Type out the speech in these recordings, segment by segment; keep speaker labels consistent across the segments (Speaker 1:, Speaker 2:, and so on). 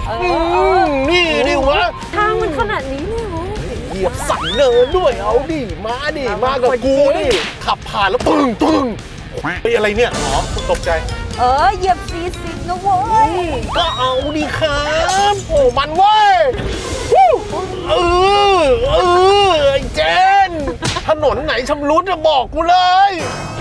Speaker 1: นี่ดิวะ
Speaker 2: ทางมันขนาดนี้เลยเหรอ
Speaker 1: เหยียบสันเนินด้วยเอาดิมากับกูดิขับผ่านแล้วปึ้งไอ้อะไรเนี่ยอ๋อตกใจ
Speaker 2: เหยียบ40นะเว้ย
Speaker 1: ก็เอาดิครับโอ้มันเว้ยไอ้เจนถนนไหนชำรุดจะบอกกูเลย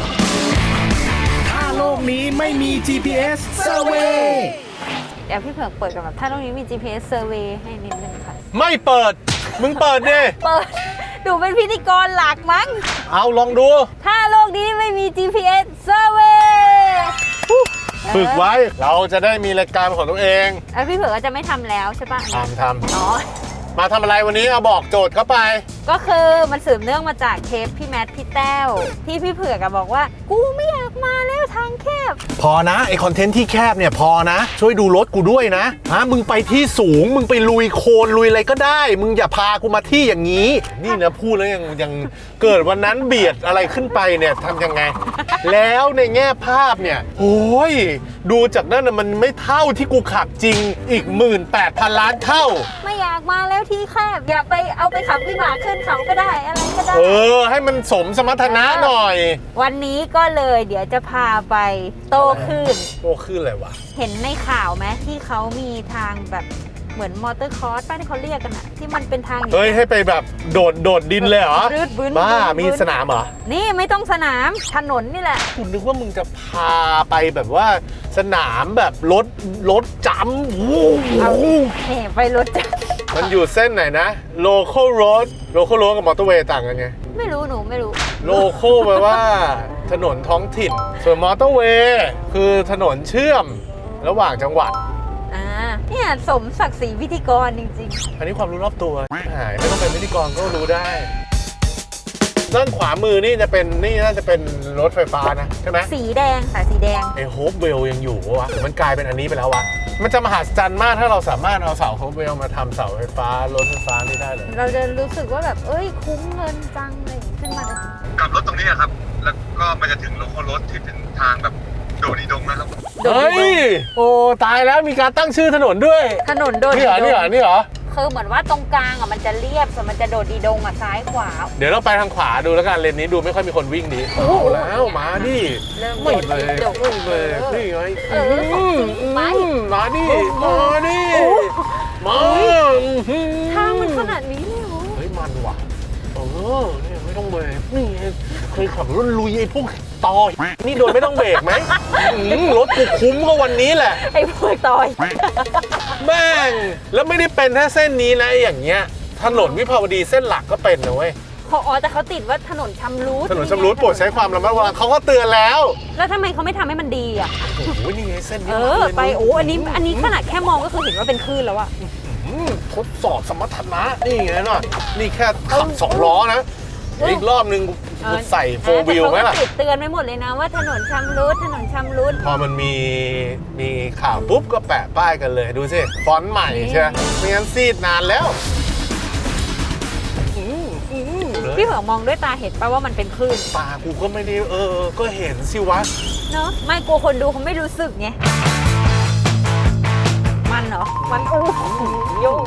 Speaker 3: ถ้าโลกนี้ไม่มี GPS Survey
Speaker 2: เดี๋ยวพี่เผือกเปิดกันแบบถ้าโลกนี้มี GPS Survey ให้นิดนึงค่ะ
Speaker 1: ไม่เปิดมึงเปิดดิ
Speaker 2: เปิดดูเป็นพิธีกรหลักมั้ง
Speaker 1: เอาลองดู
Speaker 2: ถ้าโลกนี้ไม่มี GPS Survey
Speaker 1: ฝึกไว้เราจะได้มีรายการของตัวเอง
Speaker 2: พี่เผือกก็จะไม่ทำแล้วใช่ปะ
Speaker 1: ทำอ๋อมาทำอะไรวันนี้เอาบอกโจทย์เข้าไป
Speaker 2: ก็คือมันสืบเนื่องมาจากเทปพี่แมทพี่แต้วที่พี่เผือกบอกว่ากูไม่อยากมาแล้วทางแคบ
Speaker 1: พอนะไอคอนเทนต์ที่แคบเนี่ยพอนะช่วยดูรถกูด้วยนะมึงไปที่สูงมึงไปลุยโคลนลุยอะไรก็ได้มึงอย่าพากูมาที่อย่างนี้นี่นะพูดแล้วยังเกิดวันนั้นเบียดอะไรขึ้นไปเนี่ยทำยังไงแล้วในแง่ภาพเนี่ยโอ้ยดูจากนั้นนะมันไม่เท่าที่กูขับจริงอีก 18,000 ล้านเท่า
Speaker 2: ไม่อยากมาแล้วที่แคบอยากไปเอาไปขับวิบากขึ้นเขาก็ได้อะไรก็ได้
Speaker 1: ให้มันสมสมรรถนะหน่อย
Speaker 2: วันนี้ก็เลยเดี๋ยวจะพาไปโตขึ้น
Speaker 1: อะไรวะ
Speaker 2: เห็นในข่าวไหมที่เขามีทางแบบเหมือนมอเตอร์คอร์สป้าที่เขาเรียกกันอะที่มันเป็นทาง
Speaker 1: ให้ไปแบบโดดดินเลยเหรอบ้ามีสนามเหรอ
Speaker 2: นี่ไม่ต้องสนามถนนนี่แหละ
Speaker 1: คุณนึกว่ามึงจะพาไปแบบว่าสนามแบบรถจัมป์
Speaker 2: ไปรถจัมป์
Speaker 1: มันอยู่เส้นไหนนะ local road กับมอเตอร์เวย์ต่างกันไง
Speaker 2: ไม่รู้ไม่รู้
Speaker 1: local แปลว่าถนนท้องถิ่นส่วนมอเตอร์เวย์คือถนนเชื่อมระหว่างจังหวัด
Speaker 2: เนี่ยสมศักดิ์ศรีพิธีกรจริง
Speaker 1: ๆอันนี้ความรู้รอบตัวหายไม่ต้องเป็นพิธีกรก็รู้ได้ด้านขวามือนี่น่าจะเป็นรถไฟฟ้านะใช่ไหม
Speaker 2: สีแดงสายสีแดง
Speaker 1: โฮปเวลยังอยู่วะมันกลายเป็นอันนี้ไปแล้ววะมันจะมหัศจรรย์มากถ้าเราสามารถเอาเสาโฮปเวลมาทำเสาไฟฟ้ารถไฟฟ้านี่ได้เลย
Speaker 2: เราจะรู้สึกว่าแบบคุ้มเงินจังเลยขึ้นมาเลย
Speaker 4: กับรถตรงนี้ครับแล้วก็มันจะถึงโลโก้รถที่เป็นทางแบบโดดีดงนะครับ
Speaker 1: โอ้ตายแล้วมีการตั้งชื่อถนนด้วย
Speaker 2: ถนนโดดีดง
Speaker 1: นี่เหรอ
Speaker 2: คือเหมือนว่าตรงกลางมันจะเรียบส่วนมันจะโดดดีดงซ้ายขวา
Speaker 1: เดี๋ยวเราไปทางขวาดูแล้วกันเลนนี้ดูไม่ค่อยมีคนวิ่งดีเอาแล้วมาดิไม่เลยนี่ไงมาดิมา
Speaker 2: ทางมันขนาดนี้เลยเหรอ
Speaker 1: เฮ้ยมันว่ะเนี่ยไม่ต้องเบรกนี่เคยขับรถลุยไอ้พวกต่อนี่โดนไม่ต้องเบรกไหมรถกูคุ้มก็วันนี้แหละ
Speaker 2: ไอ้พวกต่อย
Speaker 1: แม่งแล้วไม่ได้เป็นแค่เส้นนี้นะอย่างเงี้ยถนนวิภาวดีเส้นหลักก็เป็นนะเว้ย
Speaker 2: แต่เขาติดว่าถนนชำรุด
Speaker 1: โปรดใช้ความระมัดระวังเขาก็เตือนแล้ว
Speaker 2: ทำไมเขาไม่ทำให้มันดีอ่ะ
Speaker 1: โอ้โหนี่ไงเส้นนี้
Speaker 2: ไปอันนี้ขนาดแค่มองก็คือเห็นว่าเป็นคลื่นแล้วอะ
Speaker 1: ทดสอบสมรรถนะนี่ไงเนาะนี่แค่ขับ2 ล้อนะอีกรอบนึงใส่4 วิวไหมล่ะ
Speaker 2: ติดเตือนไปหมดเลยนะว่าถนนชำรุด
Speaker 1: พอมันมีข่าวปุ๊บก็แปะป้ายกันเลยดูสิฟอนต์ใหม่ใช่ไหมไม่งั้นซีดนานแล้ว
Speaker 2: พี่เผือกมองด้วยตาเห็นป่ะว่ามันเป็นคลื่น
Speaker 1: ตากูก็ไม่ได้ก็เห็นสิวะ
Speaker 2: เนาะไม่กลัวคนดูเขาไม่รู้สึกไงมันเหรอมันโยก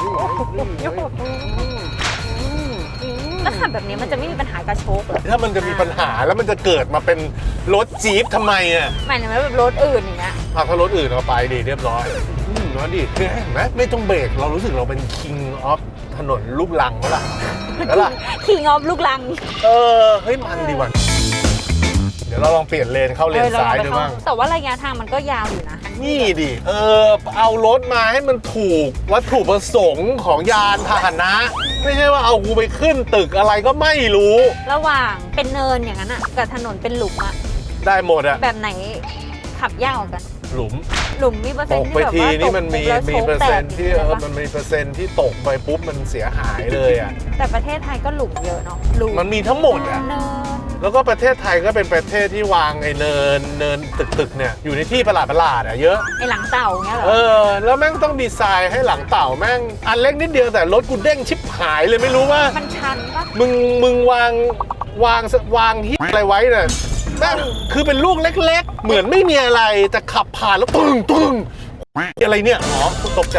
Speaker 2: แล้วขับแบบนี้มันจะไม่มีปัญหากระโชกเหรอ
Speaker 1: ถ้ามันจะมีปัญหาแล้วมันจะเกิดมาเป็นรถจี๊ปทำไมอ่ะ
Speaker 2: หมายถึงแบบรถอื่นอย่างเงี้ย
Speaker 1: ถ้ารถอื่นเอาไปดีเรียบร้อยน้อยดิคือเห็นไหมไม่ต้องเบรกเรารู้สึกเราเป็น king of ถนนลูกลังแล้วล่ะ
Speaker 2: king of ลูกลัง
Speaker 1: เฮ้ยมันดีว่ะเดี๋ยวเราลองเปลี่ยนเลนเข้าเลนซ้ายดูบ้าง
Speaker 2: แต่ว่าระยะทางมันก็ยาวอยู่นะ
Speaker 1: นี่ดิเอารถมาให้มันถูกวัตถุประสงค์ของยานพาหนะไม่ใช่ว่าเอากูไปขึ้นตึกอะไรก็ไม่รู้
Speaker 2: ระหว่างเป็นเนินอย่างนั้นอ่ะกับถนนเป็นหลุมอ่ะ
Speaker 1: ได้หมดอ่ะ
Speaker 2: แบบไหนขับยากกัน
Speaker 1: หลุม
Speaker 2: มีเปอร์เซ็นต์
Speaker 1: ที่แบบว่านี่มันมีเปอร์เซ็นต์ที่มันมีเปอร์เซ็นต์ที่ตกไปปุ๊บมันเสียหายเลยอ่ะ
Speaker 2: แต่ประเทศไทยก็หลุมเยอะเนาะ
Speaker 1: มันมีทั้งหมดอ่ะแล้วก็ประเทศไทยก็เป็นประเทศที่วางไอ้เนินตึกเนี่ยอยู่ในที่ประหลาดอ่ะเยอะ
Speaker 2: ไอ้หลังเต่าเงี้ยเหรอ
Speaker 1: แล้วแม่งต้องดีไซน์ให้หลังเต่าแม่งอันเล็กนิดเดียวแต่รถกูเด้งชิบหายเลยไม่รู้ว่า
Speaker 2: มันชันปะ
Speaker 1: มึงวางที่อะไรไว้เนี่ยแม่งคือเป็นลูกเล็กๆเหมือนไม่มีอะไรแต่ขับผ่านแล้วปึ้งอะไรเนี่ยตกใจ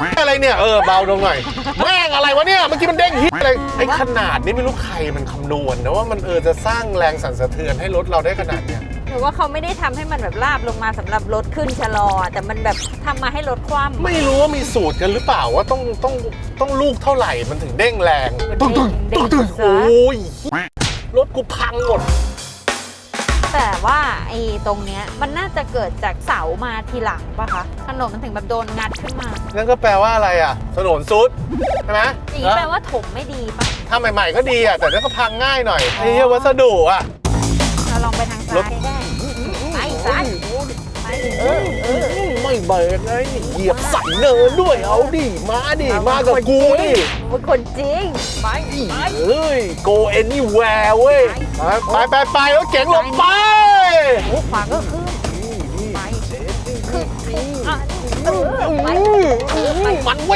Speaker 1: อะไรเนี่ยเบาลงหน่อยแม่งอะไรวะเนี่ยเมื่อกี้มันเด้งฮิตอะไรไอ้ขนาดนี้ไม่รู้ใครมันคำนวณนะว่ามันจะสร้างแรงสั่นสะเทือนให้รถเราได้ขนาดเนี้ย
Speaker 2: หรือว่าเขาไม่ได้ทำให้มันแบบราบลงมาสำหรับรถขึ้นชะลอแต่มันแบบทำมาให้รถคว่ำ
Speaker 1: ไม่รู้ว่ามีสูตรกันหรือเปล่าว่าต้องลูกเท่าไหร่มันถึงเด้งแรง
Speaker 2: ตึ้ง
Speaker 1: โ
Speaker 2: ซะ
Speaker 1: อ้ยรถกูพังหมด
Speaker 2: แต่ว่าไอ้ตรงเนี้ยมันน่าจะเกิดจากเสามาทีหลังป่ะคะถนนมันถึงแบบโดนงัดขึ้นมา
Speaker 1: นั่นก็แปลว่าอะไรอ่ะถนนซุดใช่ไหม
Speaker 2: อย่างนี้แปลว่าถมไม่ดีป่ะ
Speaker 1: ถ้าใหม่ๆก็ดีอ่ะแต่นั่นก็พังง่ายหน่อยไอ้เหี้ยวัสดุอ่ะ
Speaker 2: เราลองไปทางซ้ายได้ไปซ้ายไป
Speaker 1: ไม่เบรกไงเหยียบใส่เนินด้วยเอาดิมากับกูดิ
Speaker 2: เป็นคนจริงไป
Speaker 1: เฮ้ย go anywhere เว้ยไปแล้วเก๋งหลบไป
Speaker 2: โอ้ขวาก็ขึ้นไปขึ้นไป
Speaker 1: มันเว้ย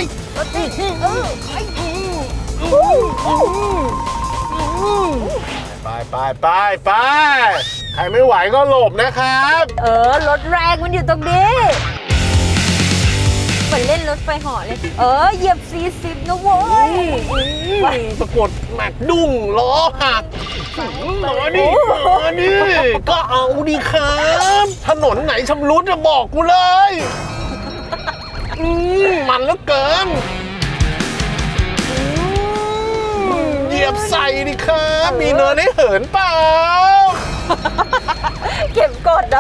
Speaker 1: ไปใครไม่ไหวก็หลบนะครับ
Speaker 2: รถแรงมันอยู่ตรงนี้เหมือนเล่นรถไฟเหาะเลยเหยียบ40นะเว้ย
Speaker 1: ปรากฏแม็กดุ้งล้อหักมาดิก็เอาดิครับถนนไหนชำรุดจะบอกกูเลยมันเหลือเกินเหยียบใส่ดิครับมีเนินให้เหินเปล่า
Speaker 2: เก็บกดอ่ะ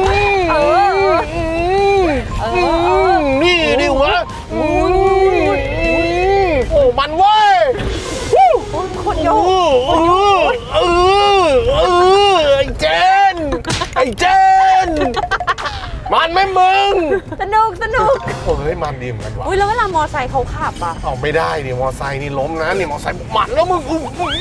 Speaker 1: นี่ดิวะโอ้มันเว้ย
Speaker 2: คนโย
Speaker 1: ไอ้เจนมันไหมมึง
Speaker 2: สนุก
Speaker 1: โอ้ยมันดีเหมือนกันวะ
Speaker 2: แล้วเวลามอไซค์เขาขับอ่ะ
Speaker 1: เอาไม่ได้ดิมอไซค์นี่ล้มนะนี่มอไซค์มันแล้วมึงดู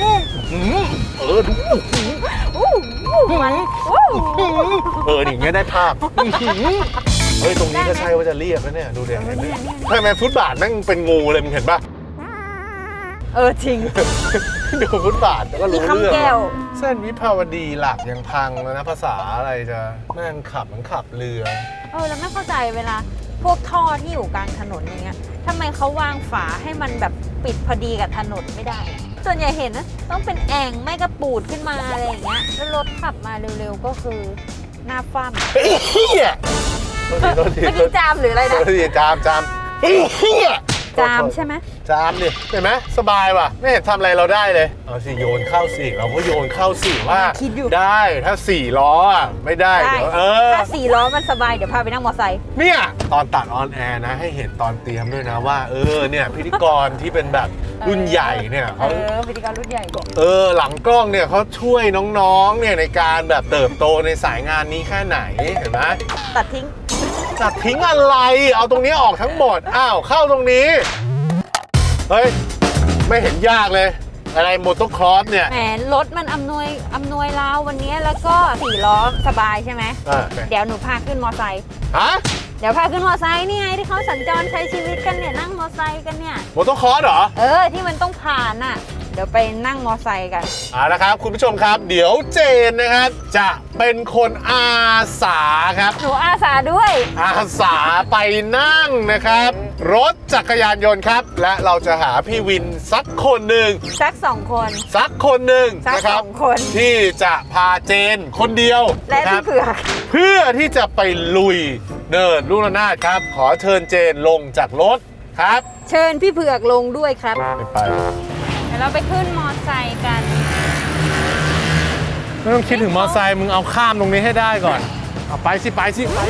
Speaker 2: มัน
Speaker 1: นี่อย่างเงี้ยได้ภาพเฮ้ยตรงนี้ก็ใช่ว่าจะเรียบแล้วเนี่ยดูเด็กเห็นไหมทำไมฟุตบาทแม่งเป็นงูเลยมึงเห็นปะ
Speaker 2: จริง
Speaker 1: ดูฟุตบาทก็รู้เรื่อง
Speaker 2: แก้ว
Speaker 1: เส้นวิภาวดีหลักยังพังแล้วนะภาษาอะไรจะแม่งขับเหมือนขับเรือ
Speaker 2: แล้วไม่เข้าใจเวลาพวกท่อที่อยู่กลางถนนอย่างเงี้ยทำไมเขาวางฝาให้มันแบบปิดพอดีกับถนนไม่ได้ส่วนใหญ่เห็นนะต้องเป็นแอ่งไม่กระปูดขึ้นมาอะไรอย่างเงี้ยแล้วรถขับมาเร็วๆก็คือหน้าฟ้ำ
Speaker 1: เฮีย
Speaker 2: เมื่อกี้จามหรืออะไรนะ
Speaker 1: จามเฮีย
Speaker 2: จามใช่ไหม
Speaker 1: จามดิเห็นไหมสบายว่ะไม่เห็นทำอะไรเราได้เลยเอาสิโยนเข้าสิเราก็โยนเข้าสิว่าได้ถ้า4 ล้อไม่ได้เดี๋ยว
Speaker 2: ถ้า4 ล้อมันสบายเดี๋ยวพาไปนั่งมอไซค์
Speaker 1: เนี่ยตอนตัดออนแอร์นะให้เห็นตอนเตรียมด้วยนะว่าเนี่ยพิธีกรที่เป็นแบบรุ่นใหญ่เนี่ยเขา
Speaker 2: พิธีกรรุ่นใหญ่
Speaker 1: หลังกล้องเนี่ยเขาช่วยน้องๆเนี่ยในการแบบเติบโตในสายงานนี้แค่ไหนเห็นไหม
Speaker 2: ตัดทิ้ง
Speaker 1: อะไรเอาตรงนี้ออกทั้งหมดเข้าตรงนี้เฮ้ยไม่เห็นยากเลยอะไรโมโตครอสเนี่ย
Speaker 2: แหมรถมันอำนวยเราวันนี้แล้วก็4 ล้อสบายใช่ไหมเดี๋ยวหนูพาขึ้นมอไซค์เดี๋ยวพาขึ้นมอไซค์นี่ไงที่เขาสัญจรใช้ชีวิตกันเนี่ยนั่งมอไซค์กันเนี่ย
Speaker 1: โมโตครอสเหรอ
Speaker 2: ที่มันต้องผ่านน่ะเดี๋ยวไปนั่งมอไซค์กัน
Speaker 1: ละครับคุณผู้ชมครับเดี๋ยวเจนนะครับจะเป็นคนอาสาครับ
Speaker 2: หนูอาสาด้วย
Speaker 1: อาสาไปนั่งนะครับรถจักรยานยนต์ครับและเราจะหาพี่วินสักคนหนึ่ง
Speaker 2: สัก2 คน
Speaker 1: นะครับที่จะพาเจนคนเดียว
Speaker 2: และพี่เผือก
Speaker 1: เพื่อที่จะไปลุยเนินลูกระนาดครับขอเชิญเจนลงจากรถครับ
Speaker 2: เชิญพี่เผือกลงด้วยครับ
Speaker 1: ไป
Speaker 2: เดี๋ยวเราไปขึ้นมอไซค์กัน
Speaker 1: ไม่ต้องคิดถึงมอไซค์มึงเอาข้ามตรงนี้ให้ได้ก่อนเอาไปสิ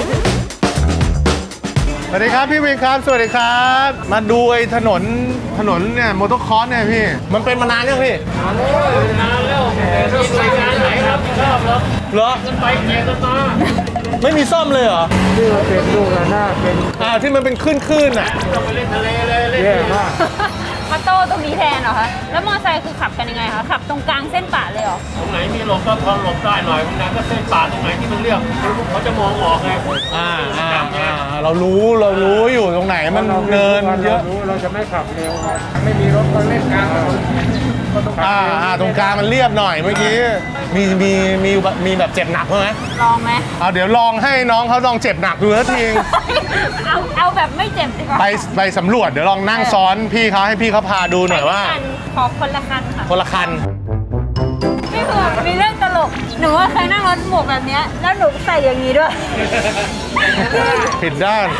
Speaker 1: สวัสดีครับพี่วินครับสวัสดีครับมาดูไอ้ถนนเนี่ยมอเตอร์คอร์สเนี่ยพี่มันเป็นมานานยังพี่
Speaker 5: นานแล้วมีรายการไหนครับชอบเหรอกันไปแข่งกันมา
Speaker 1: ไม่มีซ่อมเลยเหรอ
Speaker 5: ที่มันเป็นลูกระนาดเป็น
Speaker 1: ที่มันเป็นคลื่นอ่ะ
Speaker 5: ต้องไปเล่นทะเลเลยเล่นเยอะมาก
Speaker 2: มาโต้ตรงนี้แทนเหรอคะแล้วมอไซค์คือขับกันยังไงคะขับตรงกลางเส้นป่าเลยเหรอ
Speaker 5: ตรงไหนมีหลบก็พอหลบได้หน่อยบางนั้นก็เส้นป่าตรงไหนที่มันเรียบเขาจะมองออกไง
Speaker 1: เรารู้อยู่ตรงไหนมันเนินเยอะ
Speaker 5: เราจะไม่ขับเร็วไม่มีรถก็เล่นกลางถนน
Speaker 1: ตรงกลางมันเรียบหน่อยเมื่อกี้มีแบบเจ็บหนักไหม
Speaker 2: ลองไหม
Speaker 1: เอาเดี๋ยวลองให้น้องเขาลองเจ็บหนักดูสักที
Speaker 2: เอาแบบไม่เจ็บดีกว่า
Speaker 1: ไปสำรวจเดี๋ยวลองนั่งซ้อนพี่เขาให้พี่เขาพาดูหน่อยว่า
Speaker 2: ขอคนละคันค่ะ
Speaker 1: คนละคัน
Speaker 2: พี่เผือกมีเรื่องตลก หนูว่าเคยนั่งรถหมวกแบบเนี้ยแล้วหนูใส่อย่างนี้ด้วย
Speaker 1: ผิดด้าน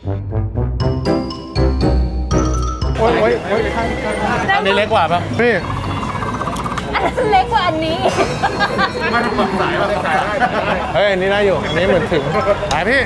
Speaker 1: โอ้ยอันนี้เล็กกว่าปะพี่
Speaker 2: อันนั้นเล็กกว่าอันนี้
Speaker 1: เฮ้ยอันนี้ได้อยู่อันนี้เหมือนถึงไปพี่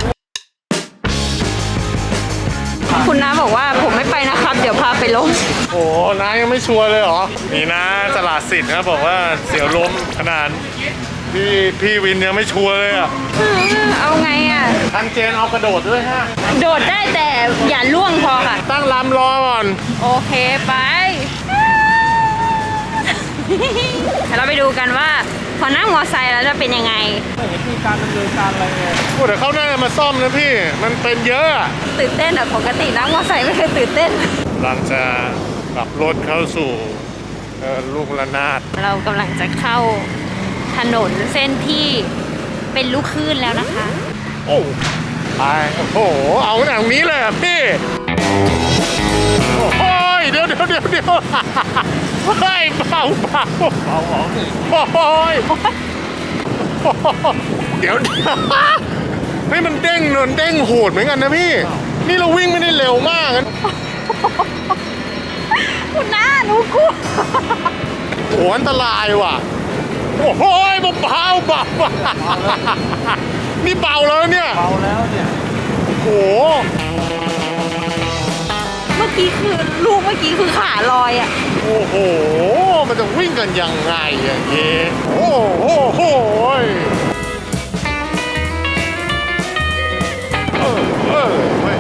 Speaker 2: คุณน้าบอกว่าผมไม่ไปนะครับ เดี๋ยวพาไปลง
Speaker 1: โอ้น้ายังไม่ชัวร์เลยเหรอนี่นะตลาดสิทธิ์นะบอกว่าเสียวล้มขนาดพี่วินยังไม่ชัวร์เลยอ่ะ
Speaker 2: เอาไงอ่ะ
Speaker 1: ทันเจนเอากระโดดด้วยฮะ
Speaker 2: โดดได้แต่อย่าล่วงพอค่ะ
Speaker 1: ตั้งลำรอก่อน
Speaker 2: โอเคไปเดี๋ยวเราไปดูกันว่า พอนั่งมอไซค์แล้วจะเป็นยังไง
Speaker 1: พูดแต่เขาน่าจะมาซ่อมนะพี่ มันเป็นเยอะอะ
Speaker 2: ตื่นเต้นอ่ะปกตินั่งมอไซค์ไม่เคยตื่นเต้น
Speaker 1: หลังจะกลับรถเข้าสู่ลูกระนาด
Speaker 2: เรากำลังจะเข้าถนนเส้นที่เป็นลูกคลื่นแล้วนะคะ
Speaker 1: โอ้ไปโอ้โหเอาหนังนี้เลยอ่ะพี่โอ้ยเดี๋ยวเฮ้ยเบาโอ้ยเดี๋ยวให้มันเด้งโหดเหมือนกันนะพี่ นี่เราวิ่งไม่ได้เร็วมากนะ
Speaker 2: คุณน้าหนูกลัว
Speaker 1: โอ้อันตรายว่ะโอ้โหเบานี่เบาแล้วเนี่ยเบาแล้วเนี่ยโอ้โห
Speaker 2: เมื่อกี้คือขาลอยอ่ะ
Speaker 1: โอ้โหมันจะวิ่งกันยังไงอย่างเงี้ยโอ้โหเว้ย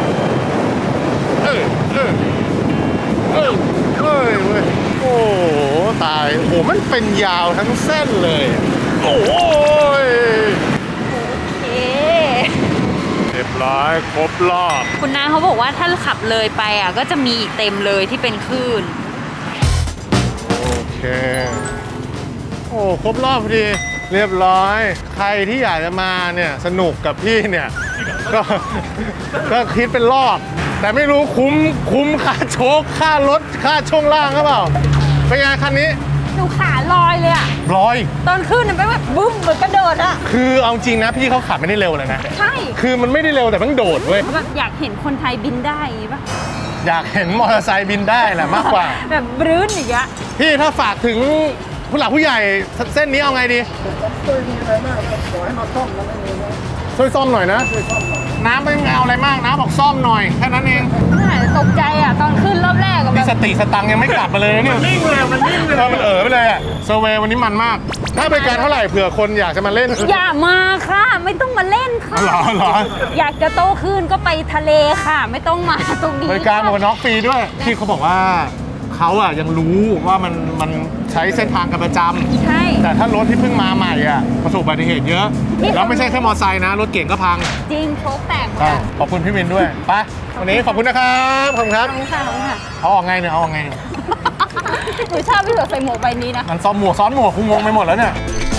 Speaker 1: โอ้ตายโอ้มันเป็นยาวทั้งเส้นเลยโอ้ย
Speaker 2: เอ๊
Speaker 1: เรียบร้อยครบรอบ
Speaker 2: คุณน้าเขาบอกว่าถ้าขับเลยไปอ่ะก็จะมีอีกเต็มเลยที่เป็นคลื่น
Speaker 1: โอเคโอ้ครบรอบพอดีเรียบร้อยใครที่อยากจะมาเนี่ยสนุกกับพี่เนี่ยก็คิดเป็นรอบแต่ไม่รู้คุ้มค่าโชคค่ารถค่าช่วงล่างหรือเปล่าเป็นไงคันนี้
Speaker 2: หนูขาลอยเลยอ่ะ
Speaker 1: ร้อย
Speaker 2: ตอนขึ้นมันเป็นแบบบึ้มเหมือนกระโดดอ่ะ
Speaker 1: คือเอาจริงนะพี่เขาขับไม่ได้เร็วเลยนะ
Speaker 2: ใช่
Speaker 1: คือมันไม่ได้เร็วแต่มันโดดเว้ย
Speaker 2: แบบอยากเห็นคนไทยบินได้อย่างงี้ปะ
Speaker 1: อยากเห็นมอเตอร์ไซค์บินได้แหละมากกว่า
Speaker 2: แบบบรื้นอย่างเงี้ย
Speaker 1: พี่ถ้าฝากถึงผู้หลักผู้ใหญ่เส้นนี้เอาไงดีช่วยซ่อมหน่อยนะน้ำไม่เอาอะไรมากน้ำบอกซ่อมหน่อยแค่นั้นเอง
Speaker 2: ตกใจอ่ะตอนขึ้นรอบแรกอะแบ
Speaker 1: นี่
Speaker 2: บ
Speaker 1: สติสตังค์ยังไม่กลับมาเลยนะเนี่ยมันนิ่งเลยมันไปเลยอะเซอร์เวย์วันนี้มันมากถ้าบริการเท่าไหร่เผื่อคนอยากจะมาเล่น
Speaker 2: อย่ามาค่ะ ไม่ต้องมาเล่นค่ะ
Speaker 1: เหรอ
Speaker 2: อยากจะโตขึ้นก็ไปทะเลค่ะ ไม่ต้องมาตรงนี้
Speaker 1: บริการหมวกกันน็อกฟรีด้วยพี่เขาบอกว่าเขาอะยังรู้ว่ามันใช้เส้นทางกันประจำ
Speaker 2: ใช่
Speaker 1: แต่ถ้ารถที่เพิ่งมาใหม่อะประสบอุบัติเหตุเยอะแล้วไม่ใช่แค่มอเตอร์ไซค์นะรถเก่งก็พัง
Speaker 2: จริงโชคแตกหมด
Speaker 1: อ่ะ
Speaker 2: อะ
Speaker 1: ขอบคุณพี่วินด้วยไปวันนี้ขอบคุณนะครับขอบคุณครับ
Speaker 2: ขอบคุณค่ะขอบคุณค่ะ
Speaker 1: เอาออกไงเนี่ยเอาออกไงเนี่ย
Speaker 2: หนูชอบพี่เผือกใส่หมวกใบนี้นะ
Speaker 1: มันซ้อนหมวกคงงงไปหมดแล้วเนี่ย